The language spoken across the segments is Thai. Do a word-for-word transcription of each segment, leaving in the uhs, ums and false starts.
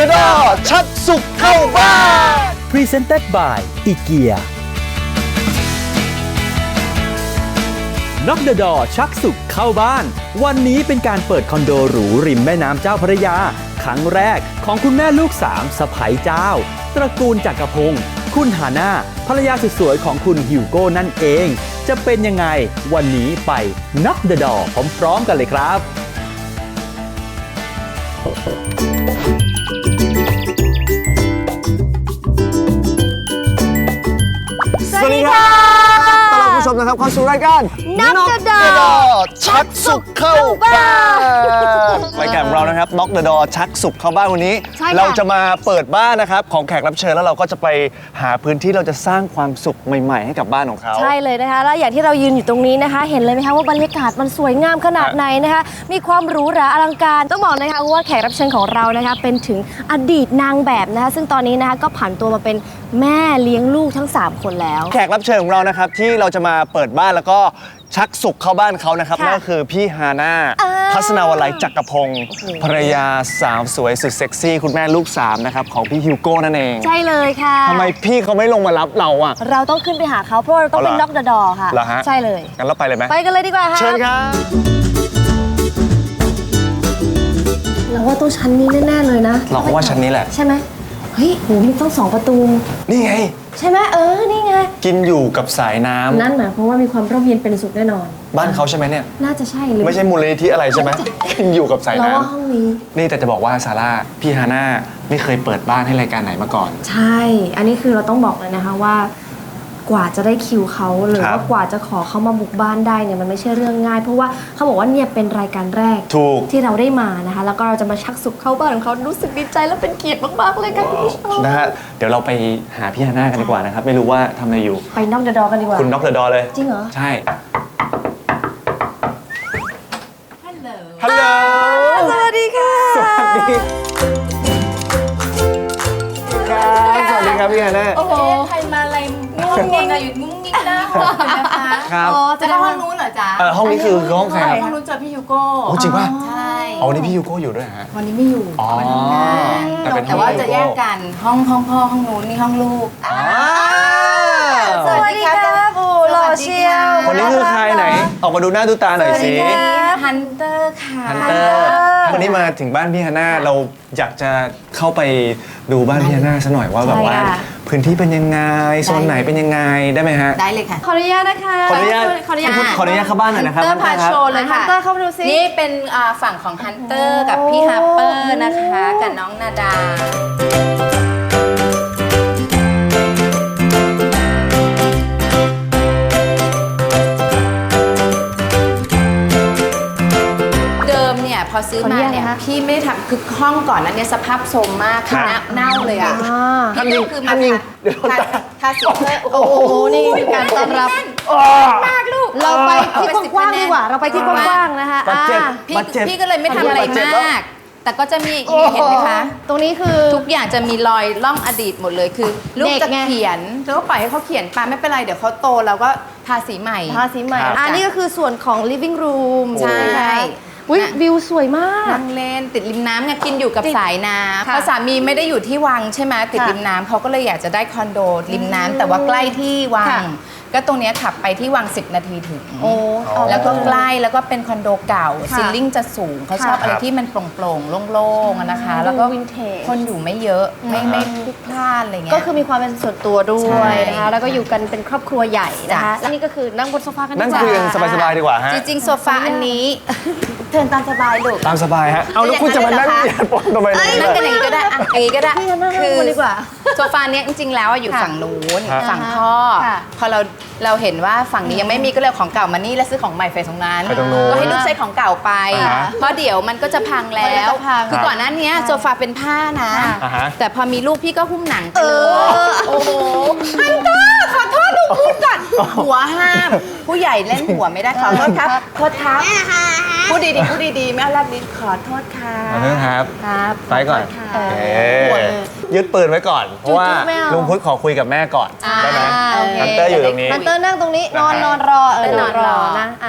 the door ชักสุขเข้าบ้าน Presented by อีเกีย Knock the door ชักสุขเข้าบ้านวันนี้เป็นการเปิดคอนโดหรูริมแม่น้ำเจ้าพระยาครั้งแรกของคุณแม่ลูกสามสะใภ้เจ้าตระกูลจักรพงศ์คุณฮาน่าภรรยาสุดสวยของคุณฮิวโก้นั่นเองจะเป็นยังไงวันนี้ไป Knock the door พร้อมๆกันเลยครับสวัสดีครับต้อนรับผู้ชมนะครับเข้าสู่รายการ Knock the door ชักสุขเข้าบ้านรายการของเรานะครับ Knock the door ชักสุขเข้าบ้านวันนี้เราจะมาเปิดบ้านนะครับของแขกรับเชิญแล้วเราก็จะไปหาพื้นที่เราจะสร้างความสุขใหม่ๆให้กับบ้านของเขาใช่เลยนะคะแล้วอย่างที่เรายืนอยู่ตรงนี้นะคะ เห็นเลยไหมคะว่าบรรยากาศมันสวยงามขนาดไหนนะคะมีความหรูหราอลังการต้องบอกนะคะว่าแขกรับเชิญของเรานะคะเป็นถึงอดีตนางแบบนะคะซึ่งตอนนี้นะคะก็ผ่านตัวมาเป็นแม่เลี้ยงลูกทั้งสามคนแล้วแขกรับเชิญของเรานะครับที่เราจะมาเปิดบ้านแล้วก็ชักสุขเข้าบ้านเขานะครับนั่นก็คือพี่ฮาน่าทัศนาวลัยจักรพงศ์ภรรยาสาวสวยสุดเซ็กซี่คุณแม่ลูกสามนะครับของพี่ฮิวโก้นั่นเองใช่เลยค่ะทำไมพี่เขาไม่ลงมารับเราอ่ะเราต้องขึ้นไปหาเขาเพราะเราต้องเป็นน็อกเดอะดอค่ะใช่เลยงั้นเราไปเลยไหมไปกันเลยดีกว่าค่ะเชิญครับเราว่าต้องชั้นนี้แน่ๆเลยนะเราก็ว่าชั้นนี้แหละใช่ไหมเฮ้ยโหมีต้องสองประตูนี่ไงใช่ไหมเออนี่ไงกินอยู่กับสายน้ำนั่นหมายความว่ามีความร่มเย็นเป็นสุขแน่นอนบ้านเขาใช่ไหมเนี่ยน่าจะใช่หรือไม่ใช่มูลนิธิอะไรใช่ไหมกินอยู่กับสายน้ำเราว่าห้องนี้นี่แต่จะบอกว่าซาร่าพี่ฮาน่าไม่เคยเปิดบ้านให้รายการไหนมาก่อนใช่อันนี้คือเราต้องบอกเลยนะคะว่ากว่าจะได้คิวเขาหรือว่ากว่าจะขอเขามาบุกบ้านได้เนี่ยมันไม่ใช่เรื่องง่ายเพราะว่าเขาบอกว่าเนี่ยเป็นรายการแรกที่เราได้มานะคะแล้วก็เราจะมาชักสุขเข้าบ้านของเขารู้สึกดีใจและเป็นเกียรติมากๆเลยค่ะคุณผู้ชมนะฮะเดี๋ยวเราไปหาพี่ฮาน่ากันดีกว่านะครับไม่รู้ว่าทำอะไรอยู่ไปน็อกเดอะดอกันดีกว่าคุณน็อกเดอะดอเลยจริงเหรอใช่ฮัลโหลฮัลโหลสวัสดีค่ะสวัสดีสวัสดีครับพี่ฮาน่าโอ้โหใครมาอะไรงุ้งงิ้งอะอยู่งุ้งงิ้งหน้าห้องนะคะครับอ๋อจะเข้าห้องนู้นเหรอจ๊ะเออห้องนี้คือห้องใครห้องนู้นเจอพี่ฮิวโก้โอ้จริงป่ะใช่อ๋อวันนี้พี่ฮิวโก้อยู่ด้วยฮะวันนี้ไม่อยู่อ๋อแต่เป็นแต่ว่าจะแยกกันห้องห้องพ่อห้องนู้นนี่ห้องลูกสวัสดีครับโอ้หล่อเชียวคนนี้คือใครไหนออกมาดูหน้าดูตาหน่อยสิฮันเตอร์ค่ะฮันเตอร์วันนี้มาถึงบ้านพี่ฮาน่าเราอยากจะเข้าไปดูบ้านพี่ฮาน่าซะหน่อยว่าแบบว่าพื้นที่เป็นยังไงโซนไหนเป็นยังไงได้ไหมฮะได้เลยค่ะขออนุญาตนะคะขออนุญาตขออนุญาตขออนุญาตเข้าบ้านหน่อยนะครับฮันเตอร์พาโชว์เลยค่ะฮันเตอร์เข้าไปดูซินี่เป็นฝั่งของฮันเตอร์กับพี่ฮัปเปอร์นะคะกับน้องนาดาพอซื้อมาเนี่ยพี่ไม่ได้ทำคือห้องก่อนนั้นเนี่ยสภาพโทรมมากคือเน่าเลยอ่ะพี่ก็คือมาทาสีเพื่อโอ้โหนี่การต้อนรับมากลูกเราไปที่กว้างดีกว่าเราไปที่กว้างนะคะพี่พี่ก็เลยไม่ทำอะไรมากแต่ก็จะมีเห็นไหมคะตรงนี้คือทุกอย่างจะมีรอยล่องอดีตหมดเลยคือลูกจะเขียนเธอก็ปล่อยให้เขาเขียนไปไม่เป็นไรเดี๋ยวเขาโตแล้วก็ทาสีใหม่ทาสีใหม่อันนี้ก็คือส่วนของ living room ใช่อุ้ยวิวสวยมากนั่งเล่นติดริมน้ำไงกินอยู่กับสายน้ำเพราะสามีไม่ได้อยู่ที่วังใช่ไหมติดริมน้ำเขาก็เลยอยากจะได้คอนโดริมน้ำแต่ว่าใกล้ที่วังก็ตรงนี้ขับไปที่วังสิบนาทีถึงแล้วก็ใกล้แล้วก็เป็นคอนโดเก่าซิลลิ่งจะสูงเขาชอบอะไรที่มันโปร่งๆโล่งๆนะคะแล้วก็คนอยู่ไม่เยอะไม่ไม่พลุกพล่านอะไรเงี้ยก็คือมีความเป็นส่วนตัวด้วยนะคะแล้วก็อยู่กันเป็นครอบครัวใหญ่นะคะและนี่ก็คือนั่งบนโซฟากันนั่งคุยกันสบายๆดีกว่าฮะจริงๆโซฟาอันนี้เทินตามสบายลูกตามสบายฮะเอาแล้วคุณจะมานั่งเหยียดปนทำไมนั่งกันอย่างนี้ก็ได้อ่ะอย่างนี้ก็ได้คือดีกว่าโซฟาเนี้ยจริงๆแล้วอยู่ฝั่งนู้นฝั่งพ่อพอเราเราเห็นว่าฝั่งนี้ยังไม่มีก็เลยของเก่ามานี่แล้วซื้อของใหม่ไปตรงนั้นก็ให้ลูกใช้ของเก่าไปเพราะเดี๋ยวมันก็จะพังแล้วคือก่อนหน้านี้โซฟาเป็นผ้านะแต่พอมีลูกพี่ก็หุ้มหนังไปเลยโอ้โหฮันเตอร์ขอโทษลูกพูดก่อนหัวห้ามผู้ใหญ่เล่นหัวไม่ได้ขอโทษครับโทษครับพูดดีๆพูดดีๆไม่เอาลับลิ้นขอโทษค่ะขอโทษครับครับไปก่อนยึดปืนไว้ก่อนเพราะว่าลุงพุทธขอคุยกับแม่ก่อนได้ไหมฮันเตอร์อยู่ตรงนี้ฮันเตอร์นั่งตรงนี้นอนนอนรอเออนอนรอนะอ่ะ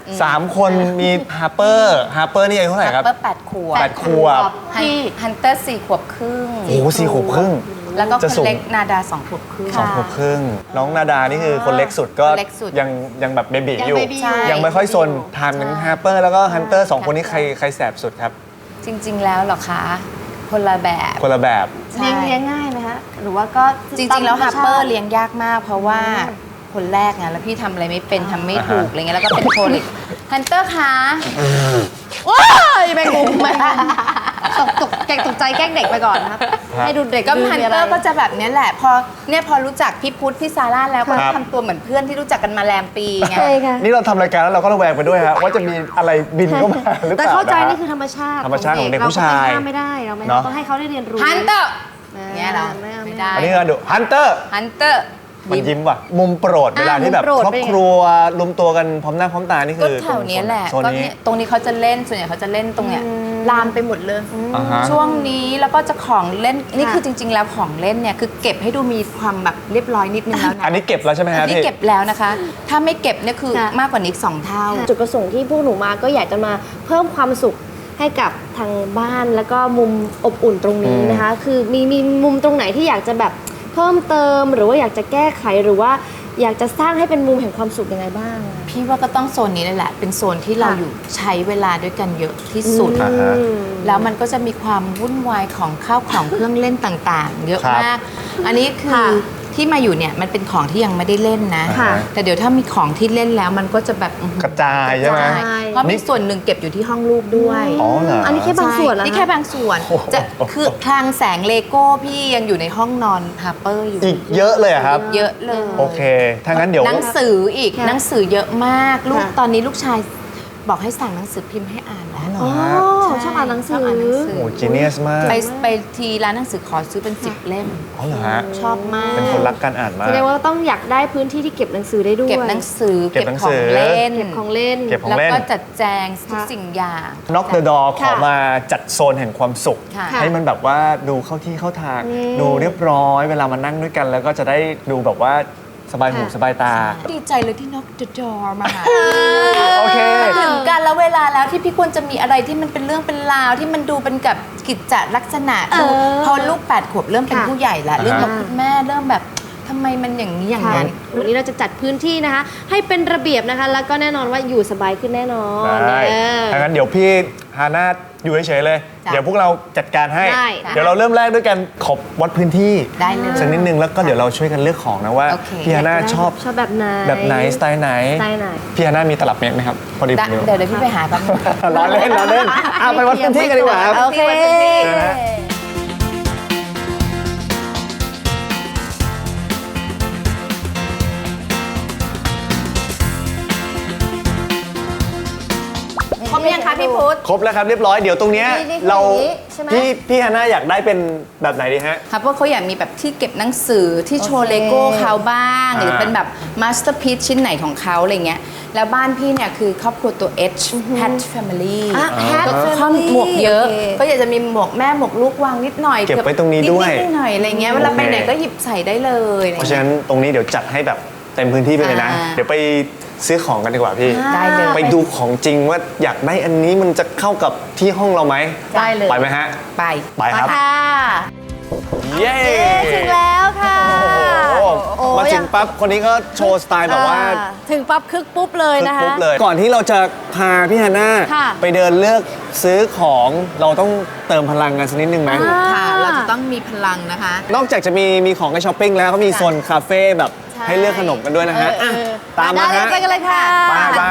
สามคนมีฮาร์เปอร์ฮาร์เปอร์นี่อายุเท่าไหร่ครับเปิ้ลแปดขวบแปดขวบพี่ฮันเตอร์สี่ขวบครึ่งโอ้โหสี่ขวบครึ่งแล้วก็คจะนสูงเล็กนาดาสองขวบครึ่งสองขวบครึ่งน้องนาดานี่คือคนเล็กสุดก็คนเล็กสุดยังยังแบบเบบียังอยู่ baby ใช่ยังไม่ค่อยซนทานเหมือนฮาร์เปอร์แล้วก็ฮันเตอร์สองคนนี้ใครใครแสบสุดครับจริง ๆ แล้วเหรอคะ คนละแบบคนละแบบใช่เลี้ยงเลี้ยงง่ายไหมคะหรือว่าก็จริง ๆ แล้วฮัปเปอร์เลี้ยงยากมาก เพราะว่าคนแรกไงแล้วพี่ทำอะไรไม่เป็นทำไม่ถูกอะไรเงี้ยแล้วก็เป็นโคลิกฮันเตอร์คะว้ายแมงมุมแมงมุมตกตกแกล้งตกใจแกล้งเด็กไปก่อนนะครับครับให้ดูเด็กก็ดูฮันมีะเตไรอร์ก็จะแบบเนี้ยแหละพอเนี่ยพอรู้จักพี่พุทธพี่ซาร่าแล้วก็ครับทำตัวเหมือนเพื่อนที่รู้จักกันมาแรมปีไงใช่ค่ะนี่เราทำรายการแล้วเราก็ระแวงไปด้วยฮะว่าจะมีอะไรบินเข้ามาหรือเปแต่ล่าเข้าใจะฮะนี่คือธรรมชาติธรรมชาติของเด็กผู้ชายเราก็ไปห้ามไม่ได้เราไม่เนอะต้องให้เขาได้เรียนรู้ฮันเตอร์อ่าเนี้ยเหราไม่เอาไม่ไม่เอาได้อันนี้ก็ดูฮันเตอร์ฮันเตอร์มันยิ้มว่ะมุมโปรดเวลาที่แบบมุมโปรดครอบเป็นไงครัวรวมตัวกันพร้อมหน้าพร้อมตานี่ก็คือแถวเนี้ยแหละโซนก็นี้เนี่ยตรงนี้เขาจะเล่นส่วนใหญ่เขาจะเล่นตรงเนี้ยลามไปหมดเลยอ่าฮะช่วงนี้แล้วก็จะของเล่นนี่ค่ะคือจริง ๆ แล้วของเล่นเนี่ยคือเก็บให้ดูมีความแบบเรียบร้อยนิดนึงแล้วนะอันนี้เก็บแล้วใช่ไหมฮะอันนี้พี่เก็บแล้วนะคะ ถ้าไม่เก็บเนี่ยคือค่ะมากกว่านี้สองเท่าจุดประสงค์ที่พวกหนูมาก็อยากจะมาเพิ่มความสุขให้กับทางบ้านแล้วก็มุมอบอุ่นตรงนี้นะคะ คือมีมีมุมตรงไหนที่อยากจะแบบเพิ่มเติม หรือว่าอยากจะแก้ไขหรือว่าอยากจะสร้างให้เป็นมุมแห่งความสุขยังไงบ้างอะพี่ว่าก็ต้องโซนนี้เลยแหละ เป็นโซนที่เราค่ะอยู่ใช้เวลาด้วยกันเยอะที่สุดอ่าฮะอืมแล้วมันก็จะมีความวุ่นวายของข้าวของเครื่องเล่นต่างๆ เยอะครับมาก อันนี้คือค่ะที่มาอยู่เนี่ยมันเป็นของที่ยังไม่ได้เล่นนะค่ะแต่เดี๋ยวถ้ามีของที่เล่นแล้วมันก็จะแบบอื้อหือกระจายใช่ไหมกระจายเพราะมีส่วนหนึ่งเก็บอยู่ที่ห้องลูกด้วยอ๋อเหรออันนี้แค่บางส่วนแล้วนี่แค่บางส่วน จะคือคลังแสงเลโก้พี่ยังอยู่ในห้องนอนฮาร์เปอร์อยู่อีกเยอะเลยอะครับเยอะเลยโอเค ถ้างั้นเดี๋ยวหนังสืออีกค่ะหนังสือเยอะมากลูกค่ะตอนนี้ลูกชายบอกให้สั่งหนังสือพิมพ์ให้อ่านแล้วอ๋อใช่ชอบอ่านหนังสืชออบอ่านหนังสืโอ้จีเนียสมากไปไปทีร้านหนังสือขอซื้อเป็นสิบเล่มอ๋อเหรอฮะชอบมากเป็นคนรักการอ่านมาแสกดงว่าต้องอยากได้พื้นที่ที่เก็บหนังสือได้ด้วยเก็บหนังสือเก็บหนังสือของเล่นเก็บของเล่นเก็บของแล้วเล่นก็จัดแจงทุกค่ะสิ่งอย่างน็อกเดอะดอขอค่ะมาจัดโซนแห่งความสุขค่ะให้มันแบบว่าดูเข้าที่เข้าทางอืมดูเรียบร้อย เวลามานั่งด้วยกัน แล้วก็จะได้ดูแบบว่าสบายหูค่ะสบายตาดีใจเลยที่ Knock the Door มาหาโอเคถึงกันแล้วเวลาแล้วที่พี่ควรจะมีอะไรที่มันเป็นเรื่องเป็นราวที่มันดูเป็นกับกิจจลักษณะเออพอลูกแปดขวบเริ่มเป็นค่ะผู้ใหญ่ละเริ่มกับอ่าคุณแม่เริ่มแบบทำไมมันอย่างนี้อย่างค่ะนั้นวันนี้เราจะจัดพื้นที่นะคะ ให้เป็นระเบียบนะคะ แล้วก็แน่นอนว่าอยู่สบายขึ้นแน่นอนได้เออถ้างั้นเดี๋ยวพี่ฮาน่าอยู่เฉยๆเลยจ้ะเดี๋ยวพวกเราจัดการให้ได้เดี๋ยวเราเริ่มแรกด้วยกันขอบวัดพื้นที่ได้เลยสักนิดนึงแล้วก็เดี๋ยวเราช่วยกันเลือกของนะว่าโอเคพี่ฮาน่าชอบชอบแบบไหนแบบไหนสไตล์ไหนสไตล์ไหนพี่ฮาน่ามีตลับเมตรไหมครับ พอดีผได้มมีเดี๋ยวเดี๋ยวพี่ไปหาแป๊บนึงล้อเล่นล้อเล่นเอาไปวัดพื้นที่กันดีกว่าครับโอเคเชิญฮะครบหรือยังคะพี่พุทธครบแล้วครับเรียบร้อยเดี๋ยวตรงเนี้ยนี่นี่คือเราอย่างนี้ใช่ไหมพี่พี่ฮาน่าอยากได้เป็นแบบไหนดีฮะครับเพราะเขาอยากมีแบบที่เก็บหนังสือที่โชว์โอเคเลโก้เขาบ้างอ่าหรือเป็นแบบมาสเตอร์พี e ชิ้นไหนของเขาอะไรเงี้ยแล้วบ้านพี่เนี่ยคือครอบครัวตัว H Hat Family อ่ะ Hat ก็ Family ข้อหมวกเยอะโอเคก็อยากจะมีหมวกแม่หมวกลูกวางนิดหน่อยเก็บไว้ตรงนี้ด้วยนิดๆหน่อยๆอะไรเงี้ยเวลาไปไหนก็หยิบใส่ได้เลยอะไรเพราะเงี้ยฉะนั้นตรงนี้เดี๋ยวจัดให้แบบเต็มพื้นที่ไปเลยนะอ่าเดี๋ยวไปซื้อของกันดีกว่าพี่ได้เลยไปดูของจริงว่าอยากได้อันนี้มันจะเข้ากับที่ห้องเราไหมได้เลยไปไหมฮะไปไปครับค่ะเย้ถึงแล้วค่ะโอ้โหโอ้มาถึงอยากปั๊บคนนี้ก็โชว์สไตล์แบบว่าอ่ถึงปั๊บคึกปุ๊บเลยนะคะปุ๊บเลย ก่อนที่เราจะพาพี่ฮาน่าค่ะไปเดินเลือกซื้อของเราต้องเติมพลังกันสักนิดนึงไหมอ่าค่ะ เราจะต้องมีพลังนะคะนอกจากจะมีมีของให้ช้อปปิ้งแล้วก็มีโซนคาเฟ่แบบใช่ให้เลือกขนมกันด้วยนะฮะเออเออตามมาได้ฮะไปกันเลยค่ะไปไป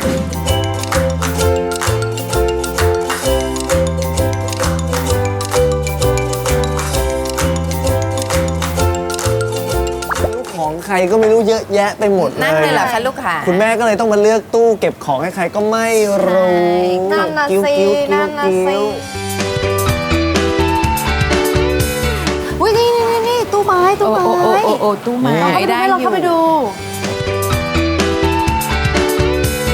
ของใครก็ไม่รู้เยอะแยะไปหมดเลยนั่งเลยเหรอคะลูกค่ะคุณแม่ก็เลยต้องมาเลือกตู้เก็บของให้ใครก็ไม่รู้นั่นน่ะกิ้วสิกิ้วกิ้นั่วนน่ะกิ้สิวอุ้ยนี่นี่นี่นี่ตู้ไม้ตู้โอ้ไม้โอ้โอ้โอ้โอ้ตู้ไม้เข้าไปดูได้ให้เราเข้าไปดู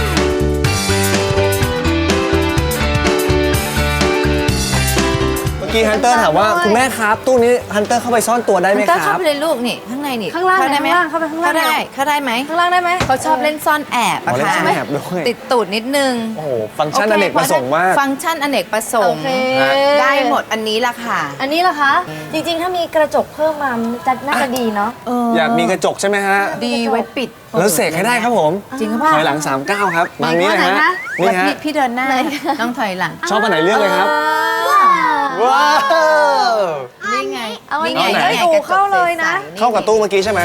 เกี้ฮันเตอร์ถามว่าคุณแม่ครับตู้นี้ฮันเตอร์เข้าไปซ่อนตัวได้ไหมก็คเข้ารับไปเลยลูกนี่ข้างในนี่ข้างล่างได้ไหมข้างล่างเข้าไปข้างล่างได้เข้าได้ไหมข้างล่างได้ไหมเขาชอบเล่นซ่อนแอบอ๋อะอเล่นค่ะซ่อนแอบด้วยติดตูดนิดนึงโอ้โหฟังก์ชันอเนกประสงค์มากฟังก์ชันอเนกประสงค์โอเคได้หมดอันนี้ละค่ะอันนี้ล่ะคะ จริงๆ ถ้ามีกระจกเพิ่มมาจะน่าจะดีเนาะอยากมีกระจกใช่ไหมฮะดีไว้ปิดแล้วเสกให้ได้ครับผมจริงหรือเปล่าถอยหลังสามเก้าครับบางนี้นะฮะ นี่แล้วฮะพี่พี่เดินหน้าต้องถอยหลังชอบอันไหนเลือกเลยครับ ว้าวนี่ไงเอาอันนี่ไหนไงให้ดูเข้าเลยนะเข้ากับตู้เมื่อกี้ใช่ไหม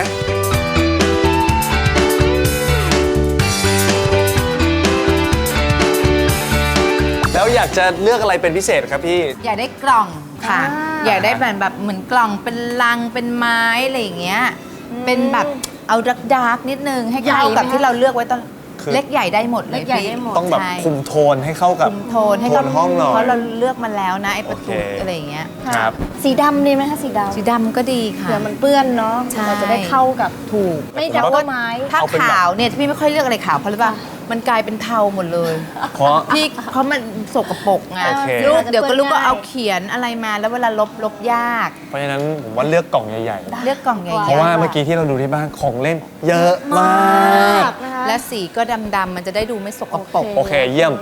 แล้วอยากจะเลือกอะไรเป็นพิเศษครับพี่อยากได้กล่องค่ะอ่าอยากได้แบบแบบเหมือนกล่องเป็นลังเป็นไม้อะไรอย่างเงี้ย เป็นแบบเอาดักดาร์กนิดนึงให้เข้ากับที่เราเลือกไว้ตอนคือเล็กใหญ่ได้หมดเลยเล็กใหญ่พี่ได้หมดต้องแบบใช่คุมโทนให้เข้ากับคุมโทนให้โทกับนห้องหน่อยเพราะเราเลือกมาแล้วนะไอ้ประตูโอเคอะไรอย่างเงี้ยครับสีดำดีไหมคะสีดำสีดำก็ดีค่ะเผื่อมันเปื้อนเนาะใช่เราจะได้เข้ากับถูกไม่ดับว่าไม้ถ้าเอาเป็นแบบขาวเนี่ยพี่ไม่ค่อยเลือกอะไรขาวเพราะอะไรป่ะมันกลายเป็นเทาหมดเลยเพราะพี่เพราะมันสกปรกไงโอเคลูกเดี๋ยวก็ลูกก็เอาเขียนอะไรมาแล้วเวลาลบลบยากเพราะฉะนั้นผมว่าเลือกกล่องใหญ่เลือกกล่องใหญ่ๆๆเพราะว่าเมื่อกี้ที่เราดูที่บ้านของเล่น เยอะมากนะคะและสีก็ดำๆมันจะได้ดูไม่สกปรกโอเคเยี่ยม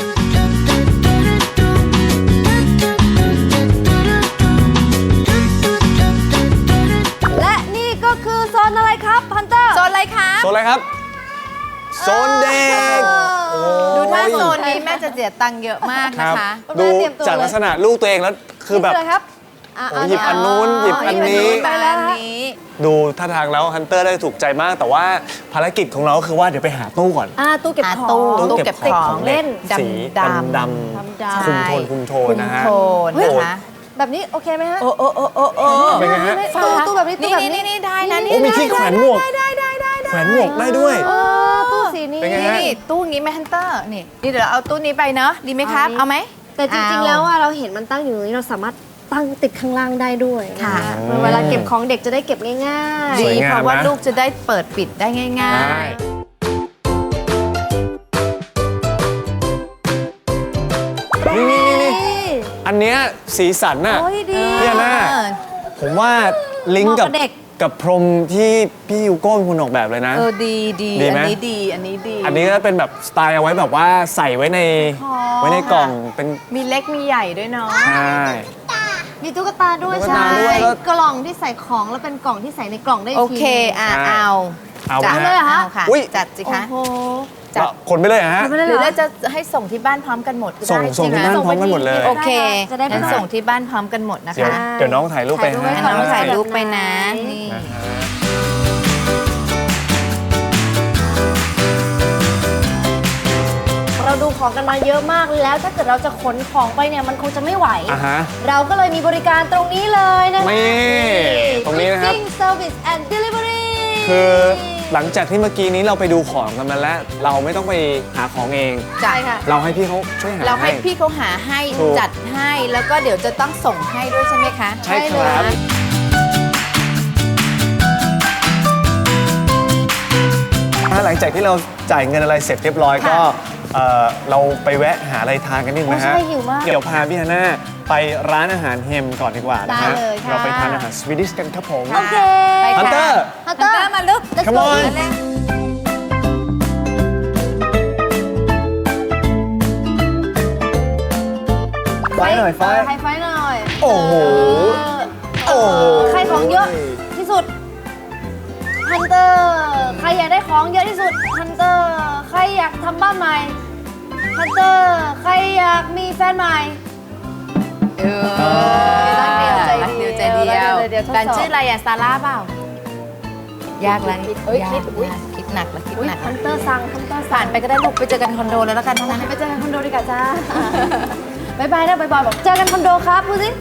และนี่ก็คือโซนอะไรครับพันเตอร์โซนอะไรคะโซนอะไรครับ โซนเด็กโอ้ดูท่าโยโซนนี้แม่จะเสียตังค์เยอะมากคนะรับคะดูจากลักษณะลูกตัวเองแล้วคือแบบนี่เลยครับะโอ้หยิบอันนู้นหยิบอันนี้ไปแล้วนี้ดูท่าทางแล้วฮันเตอร์ได้ถูกใจมาก แต่ว่าภารกิจของเราก็คือว่าเดี๋ยวไปหาตู้ก่อนอ่าตู้เก็บหาของตู้ตู้ตู้เก็เก็บบ ขขออง งเล่นสีดำดำดดดำำๆคุมโทนคุมโทนนะฮะคุมโทนโอ้นะคะแบบนี้โอเคไหมฮะโอ้โอ้โอ้โอ้โอ้เป็นไงฮะตู้ตู้แบบนี้ตู้นี่แบบนี้นี่นี่ได้นะโอ้มีที่แขวนหมวกได้ได้ได้ได้ได้แขวนหมวกได้ด้วยเออตู้สีนี้เป็นไงฮะนี่ตู้งี้ไหมฮันเตอร์นี่นี่เดี๋ยวเราเอาตู้นี้ไปเนาะดีไหมครับเอาเอาไหมแต่จริงๆเอาแล้วอะเราเห็นมันตั้งอยู่ตรงนี้เราสามารถตั้งติดข้างล่างได้ด้วยค่ะนเวลาเก็บของเด็กจะได้เก็บง่ายสดีวยงามเพราะว่านะลูกจะได้เปิดปิดได้ง่ายได้ๆนี่นี่นี่นี่ อันเนี้ยสีสันน่ะโอ้ยดีพี่อาน่าเออผมว่าลิงก์กับเหมาะกับเด็กกับพรมที่พี่ยูโก้เป็นคนออกแบบเลยนะเออดีดีดีอัไหมนนี้ดีอันนี้ดีอันนี้ก็เป็นแบบสไตล์เอาไว้แบบว่าใส่ไว้ในไว้ในกล่องเป็นมีเล็กมีใหญ่ด้วยเนาะใช่มีตุ๊กตาด้วยตุ๊กใช่ตาด้วยแล้วกล่องที่ใส่ของแล้วเป็นกล่องที่ใส่ในกล่องได้กโอทีเคอ่ะใช่เอาเอาจัดไหมฮะเลยเหรอคะเอาค่ะอุ๊ยจัดสิโอ้คะโหจัดแล้วคนไปเลยเหรอฮะไม่ได้หเหรรืออเราจะให้ส่งที่บ้านพร้อมกันหมดก็ส่งได้ส่งใช่ที่ไหมบ้านพร้อมกันหมดเลยโอเคจะได้ไม่งั้นต้องส่งที่บ้านพร้อมกันหมดนะเดี๋ยวคะเดี๋ยวน้องถ่ายรูปไปถ่ายรูปไว้ให้ให้น้องถ่ายรูปไปนะไหนนี่นะฮะเราดูของกันมาเยอะมากแล้วถ้าเกิดเราจะขนของไปเนี่ยมันคงจะไม่ไหวอ่ะฮะเราก็เลยมีบริการตรงนี้เลยนะคะนี่ตรงนี้นะครับ Shipping Service and Delivery คือหลังจากที่เมื่อกี้นี้เราไปดูของกันมาแล้ว เราไม่ต้องไปหาของเองใช่ค่ะเราให้พี่เขาช่วยหาเราให้ให้พี่เขาหาให้ถูกจัดให้แล้วก็เดี๋ยวจะต้องส่งให้ด้วยใช่ไหมคะใช่ครับ ถ้าหลังจากที่เราจ่ายเงินอะไรเสร็จเรียบร้อยก็เอ่อเราไปแวะหาอะไรทานกันนิดไหมฮะโอ้ใช่หิวมากเดี๋ยวพาพี่ฮาน่าไปร้านอาหารเฮมก่อนดีกว่านะฮะได้เลยค่ะเราไปทานอาหารสวีดิชกันครับผมโอเคไปค่ะฮันเตอร์ฮันเตอร์มาลูก Let's Come go on เลยไฟหน่อยไฟไฮไฟหน่อยโอ้โห โอ้โหใครของเยอะที่สุดฮันเตอร์ใครอยากได้ของเยอะที่สุดฮันเตอร์ใครอยากทำบ้านใหม่ฮันเตอร์ใครอยากมีแฟนใหม่เออรักเดียวใจรักเดีเดียยว วใจเดียวรักเดียวใจเดียวทดสอบแฟนชื่ออะไรอะซาร่าเปล่า ยากแล้วเอ้ยยากคิดอุ๊ยยากคิดหนักแล้วคิดอุ๊ยหนักฮัแล้วนเตอร์สั่งฮันเตอร์ผ่าสั่นงไปก็ได้ลูกไปเจอกันคอนโดแล้วแล้วกันทั้งนั้นไปเจอกันคอนโดดีกว่าจ้า บายบายนะบายบายบอกเจอกันคอนโดครับพูดสิ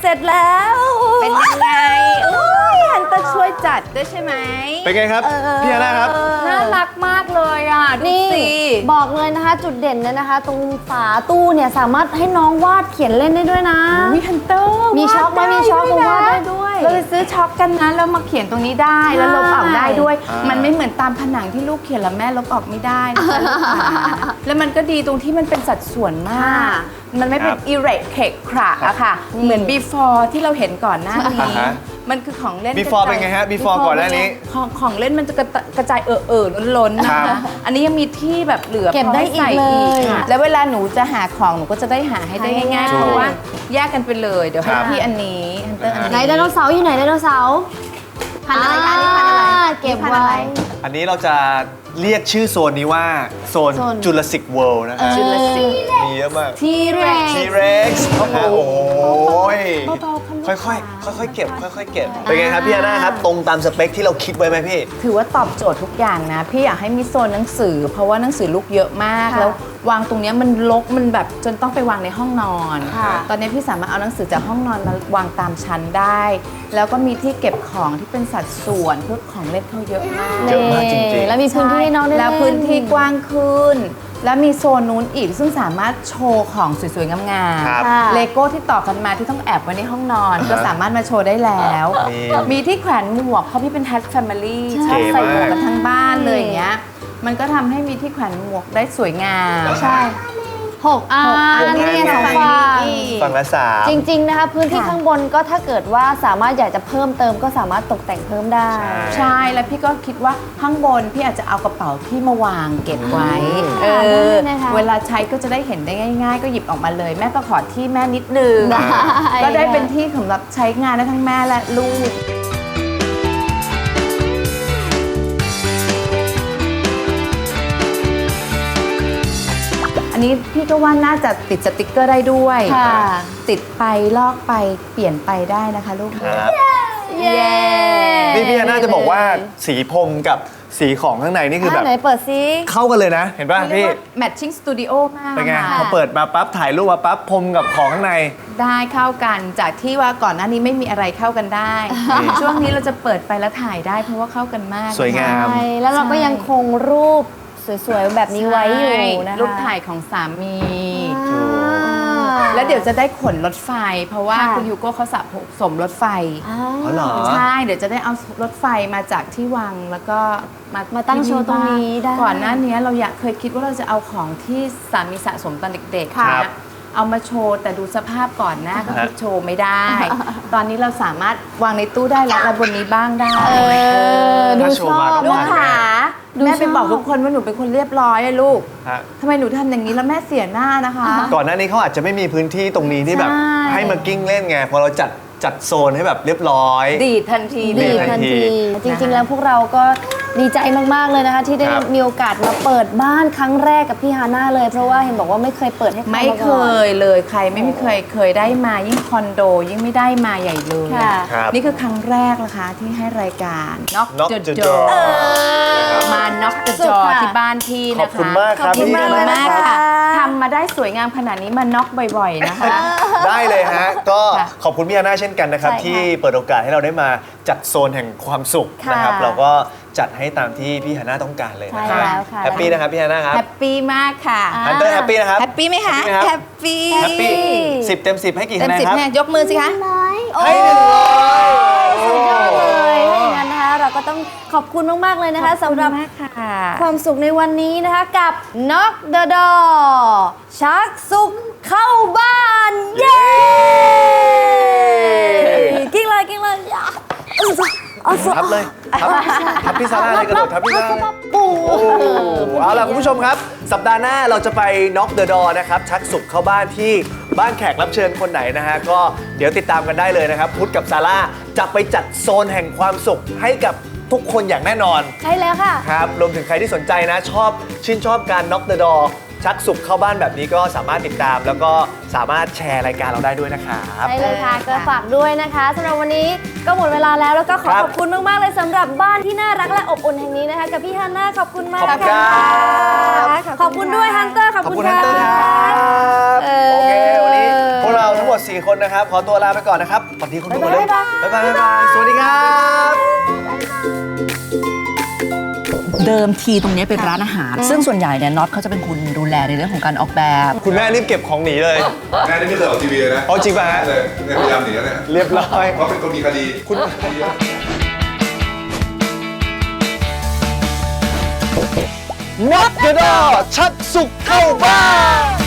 เสร็จแล้วเป็นยังไงอุ้ยฮันเตอร์ช่วยจัดด้วยใช่ไหมเป็นไงครับเออพี่ฮาน่าครับน่ารักมากเลยอ่ะ ดูนี่สิบอกเลยนะคะ จุดเด่นเนี่ยนะคะ ตรงฝาตู้เนี่ยสามารถให้น้องวาดเขียนเล่นได้ด้วยนะมีฮันเตอร์มีช็อกไหมมีช็อกผมวาดได้ด้วยเราไปซื้อช็อกกันนะแล้วมาเขียนตรงนี้ได้แล้วลบออกได้ด้วยอ่ามัมันไม่เหมือนตามผนังที่ลูกเขียนแล้วแม่ลบออกไม่ได้นะคะลูกค้าแล้วมันก็ดีตรงที่มันเป็นสัดส่วนมาก มันไม่เป็นอิเรกเคกคระอะค่ะ เหมือน before ที่เราเห็นก่อนหน้านี้อ่าฮะมันคือของเล่น before กระจายเป็นไงฮะ before ก่อนหน้านี้ของของเล่นมันจะกระตกระจายเอ่อเอ่อล้นๆนะครัคะบอันนี้ยังมีที่แบบเหลือเก็บได้พให้ใส่อีกเลยค่ะแล้วเวลาหนูจะหาของหนูก็จะได้หาให้ได้ง่ายๆถูกเพราะว่าแยกกันไปเลย เดี๋ยวให้ครับพี่อันนี้ฮันเตอร์อันนี้ไหนไดโนเสาร์อยู่ไหนไดโนเสาร์พันธุ์อะไรคะนี่พันธุ์อะไรอ่าเก็บนี่พันธุ์อะไว้ไรอันนี้เราจะเรียกชื่อโซนนี้ว่าโซนโซนจูราสสิกเวิลด์นะฮะ Jurassic มีเยอะมากทีเร็กทีเร็กซ์โอ้โหเบาๆค่ะลูกค่อยๆ ค่อยๆ เก็บ ค่อยๆ เก็บ เป็นไงครับพี่ฮาน่าครับ ตรงตามสเปคที่เราคิดไว้ไหมพี่ถือว่าตอบโจทย์ทุกอย่างนะ พี่อยากให้มีโซนหนังสือ เพราะว่าหนังสือลูกเยอะมากค่ะแล้ววางตรงเนี้ยมันรกมันแบบจนต้องไปวางในห้องนอนค่ะตอนนี้พี่สามารถเอาหนังสือจากห้องนอนมาวางตามชั้นได้ แล้วก็มีที่เก็บของที่เป็นสัดส่วนเพื่อของเล่นเขาเยอะมากเยอะมากจริงๆแล้วมีพื้นที่ให้น้องได้แล้วเล่พื้นที่กว้างขึ้น แล้วมีโซนนู้นอีกซึ่งสามารถโชว์ของสวยๆ งามครับค่ะๆเลโก้ที่ต่อกันมาที่ต้องแอบไว้ในห้องนอน ก็สามารถมาโชว์ได้แล้วนี่มีที่แขวนหมวกเพราะพี่เป็นแฮทแฟมิลี่ใช่ชอบใส่หมวกเก๋มากกันทั้งบ้านเลยอย่างเงี้ยมันก็ทำให้มีที่แขวนหมวกได้สวยงามใช่หกอันหกอันนี่ไงสองฝั่ฝั่งนี้อีกฝั่งละสามจริง ๆ นะคะ พื้นที่ค่ะข้างบนก็ถ้าเกิดว่าสามารถอยากจะเพิ่มเติมก็สามารถตกแต่งเพิ่มได้ใช่ใช่ แล้วพี่ก็คิดว่าข้างบนพี่อาจจะเอากระเป๋าที่มาวางเก็บไว้อืมเออได้นะคะเวลาใช้ก็จะได้เห็นได้ง่าย ๆ ก็หยิบออกมาเลย แม่ก็ขอที่แม่นิดนึงได้ก็ได้เป็นที่สำหรับใช้งานได้ทั้งแม่และลูก อันนี้พี่ก็ว่าน่าจะติดสติกเกอร์ได้ด้วยค่ะติดไปลอกไปเปลี่ยนไปได้นะคะลูกครับเย้นี่พี่ฮาน่าจะบอกว่าสีพรมกับสีของข้างในนี่คือแบบไหนเปิดซิเข้ากันเลยนะ เห็นป่ะเรียพี่กว่า matching studio มากเป็นไงค่ะพอเปิดมาปั๊บถ่ายรูปมาปั๊บพรมกับของข้างในได้เข้ากันจากที่ว่าก่อนหน้านี้ไม่มีอะไรเข้ากันได้ ช่วงนี้เราจะเปิดไปแล้วถ่ายได้เพราะว่าเข้ากันมากสวยงามใช่แล้วเราก็ยังคงรูปสวยๆ แบบนี้ไว้อยู่นะคะรูปถ่ายของสามีอ่าแล้วเดี๋ยวจะได้ขนรถไฟ เพราะว่าค่ะคุณยูโก้เขาสะสมรถไฟอ๋ออ๋อเหรอใช่ เดี๋ยวจะได้เอารถไฟมาจากที่วังแล้วก็มามาตั้งโชว์ตรงนี้ได้ก่อนหน้านี้เราอยากเคยคิดว่าเราจะเอาของที่สามีสะสมตอนเด็กๆครับนะเอามาโชว์แต่ดูสภาพก่อนหน้าก็คือโชว์ไม่ได้ ตอนนี้เราสามารถวางในตู้ได้แล้วและบนนี้บ้างได้เออดูถ้าโชชว์อมาบก็ลูกมาขาดูแม่ไปชอบบอกทุกคนว่าหนูเป็นคนเรียบร้อยอะลูกฮะทำไมหนูทำอย่างนี้แล้วแม่เสียหน้านะคะก่อนหน้านี้เขาอาจจะไม่มีพื้นที่ตรงนี้ที่แบบใช่ให้มากิ้งเล่นไงพอเราจัดจัดโซนให้แบบเรียบร้อยดีดทันทีดีดีเลยทันทันทีที จริงๆ แล้วพวกเราก็ดีใจมากๆเลยนะคะ ที่ได้ครับมีโอกาสมาเปิดบ้านครั้งแรกกับพี่ฮาน่าเลย เพราะว่าเห็นบอกว่าไม่เคยเปิดให้ใครไม่มาเคก่อนยเลยใครไม่มีเคยเคยได้มายิ่งคอนโดยิ่งไม่ได้มาใหญ่เลยค่ะครับนี่คือครั้งแรกนะคะที่ให้รายการ Knock Knock the the Door Door มา Knock the สุด Door ค่ะที่บ้านพี่นะคะขอบคุณมากครับขอบคุณพี่มากฮาน่ามากครับค่ะทำมาได้สวยงามขนาดนี้มาน็อกบ่อยๆนะคะได้เลยฮะ ก็ค่ะขอบคุณพี่ฮาน่าเช่นกันนะครับใช่ค่ะที่เปิดโอกาสให้เราได้มาจัดโซนแห่งความสุขค่ะนะครับ เราก็จัดให้ตามที่พี่ฮาน่าต้องการเลยนะคใช่รับแล้วค่ะแฮปปี้นะครับพี่ฮาน่าครับแฮปปี้มากค่ะฮันเตอร์แฮปปี้นะครับแฮปปี้ไหมคะแฮปปี้ไหมครับแฮปปี้แฮปปี้สิบเต็มสิบให้กี่เต็คะมแนนสิบครับแม่ยกมือสิคะให้หนึ่งร้อยสุดยอดเลยถ้าอย่างนั้นนะคะเราก็ต้องขอบคุณมากๆเลยนะคะสำหรับมากค่ะความสุขในวันนี้นะคะกับ Knock the Door ชักสุขเข้าบ้าน เย้กิ้งเลยกิ้งเลยอย่าเอาสุเอาสุทับเลยทับทับพี่ซาร่าเลยกระโดดทับพี่ซาร่าเลยปูโอ้โหเอาล่ะคุณผู้ชมครับ สัปดาห์หน้าเราจะไป Knock the Door นะครับ ชักสุขเข้าบ้านที่บ้านแขกรับเชิญคนไหนนะฮะ ก็เดี๋ยวติดตามกันได้เลยนะครับ พุทธกับซาร่าจะไปจัดโซนแห่งความสุขให้กับทุกคนอย่างแน่นอนใช่แล้วค่ะครับรวมถึงใครที่สนใจนะชอบชื่นชอบการ Knock the Door ชักสุขเข้าบ้านแบบนี้ก็สามารถติดตาม แล้วก็สามารถแชร์รายการเราได้ด้วยนะครับใช่เลยค่ะก็ฝากด้วยนะคะสำหรับวันนี้ก็หมดเวลาแล้วแล้วก็ขอครับขอบคุณมากๆเลยสำหรับบ้านที่น่ารักและอบอุ่นแห่งนี้นะคะกับพี่ฮันน่าขอบคุณมากขอบคุณค่ะครับขอบคุณด้วยฮันเตอร์ขอบขอบคุคุณ ณค่ะฮันเตอร์ครับเออโอเค วันนี้พวกเราทั้งหมดสี่สี่คนนะครับ ขอตัวลาไปก่อนนะครับสวัสดีคุณผู้ชมบ๊ายบายบ๊ายบายบ๊ายบายสวัสดีครับเดิมทีตรงนี้เป็นร้านอาหาร ซึ่งส่วนใหญ่เนี่ยน็อตเขาจะเป็นคนดูแลในเรื่องของการออกแบบคุณแม่รีบเก็บของหนีเลยแม่นี่ไม่เคยออกทีวีเลยนะเอาจริงป่ะฮะเลยเนี่ยพยายามหนีแล้วเนี่ยเรียบร้อยเพราะเป็นคนมีคดีคุณ น็อตเดอะดอชักสุกเข้าบ้าน